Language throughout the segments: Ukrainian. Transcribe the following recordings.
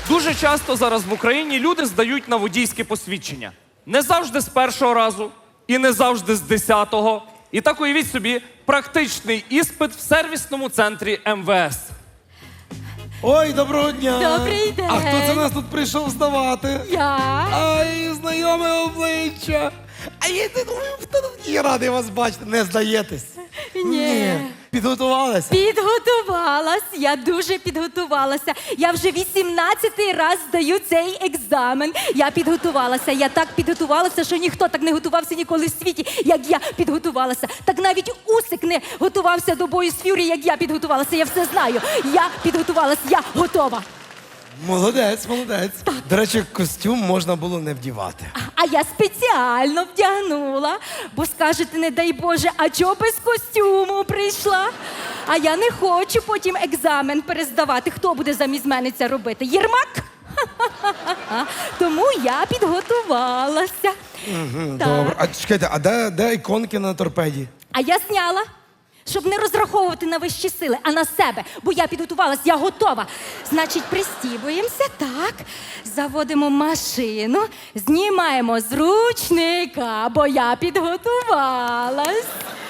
Дуже часто зараз в Україні люди здають на водійське посвідчення. Не завжди з першого разу і не завжди з 10-го. І так уявіть собі практичний іспит в сервісному центрі МВС. Ой, доброго дня! Добрий день. А хто це нас тут прийшов здавати? Я. Ай, знайоме обличчя. А я не думаю, хто тут є радий вас бачити. Не здаєтесь? Ні. Підготувалися? Підготувалась, я дуже підготувалася. Я вже 18-й раз здаю цей екзамен. Я підготувалася, я так підготувалася, що ніхто так не готувався ніколи в світі, як я підготувалася. Так навіть Усик не готувався до бою з Ф'юрі, як я підготувалася. Я все знаю. Я підготувалась, я готова. Молодець, молодець. До речі, костюм можна було не вдівати. А я спеціально вдягнула, бо скажете, не дай Боже, а чого без костюму прийшла? А я не хочу потім екзамен перездавати. Хто буде замість мене це робити? Єрмак? Ха-ха-ха. Тому я підготувалася. Так. Добре. А чекайте, а де іконки на торпеді? А я зняла, щоб не розраховувати на вищі сили, а на себе. Бо я підготувалась, я готова. Значить, пристібуємося, так. Заводимо машину, знімаємо з ручника, бо я підготувалась.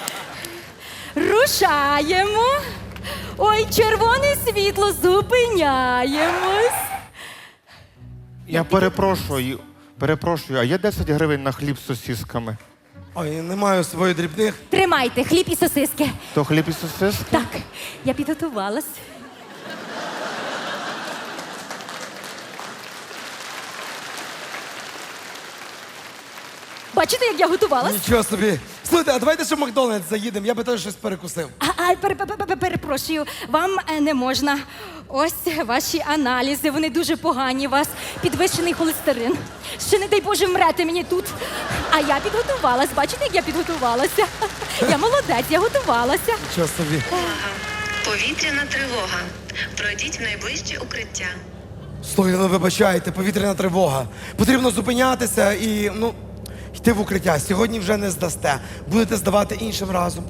Рушаємо. Ой, червоне світло, зупиняємось. Я перепрошую, а є 10 гривень на хліб з сосисками? Ой, не маю своїх дрібних. Тримайте, хліб і сосиски. То хліб і сосиски? Так, я підготувалась. Бачите, як я готувалась? Нічого собі. Слухайте, а давайте ще в Макдональдс заїдемо, я би теж щось перекусив. Перепрошую, вам не можна. Ось ваші аналізи, вони дуже погані. У вас підвищений холестерин. Ще, не дай Боже, вмрете мені тут. А я підготувалась. Бачите, як я підготувалася? Я молодець, я готувалася. Нічого собі. Повітряна тривога. Пройдіть в найближче укриття. Слухайте, ну вибачайте, повітряна тривога. Потрібно зупинятися і, йти в укриття. Сьогодні вже не здасте. Будете здавати іншим разом.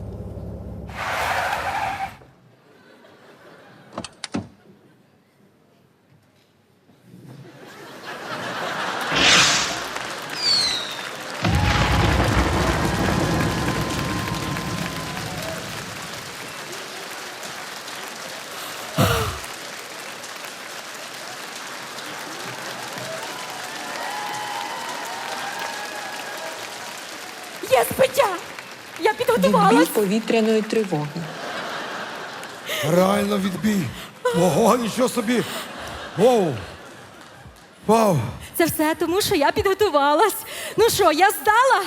Є збиття! Я Відбій підготувалась. повітряної тривоги. Реально відбій. Ого, нічого собі. Воу. Вау. Це все тому, що я підготувалась. Ну що, я здала?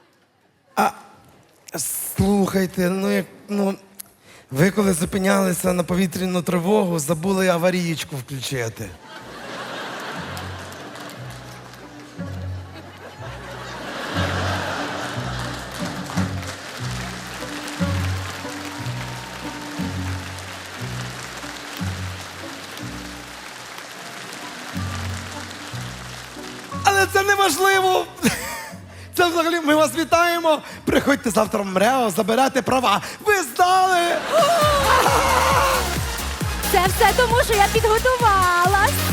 Слухайте, ви коли зупинялися на повітряну тривогу, забули аварієчку включити. Але це не важливо. Це взагалі ми вас вітаємо. Приходьте завтра в МРЕО, заберете права. Ви здали! Це все тому, що я підготувалась.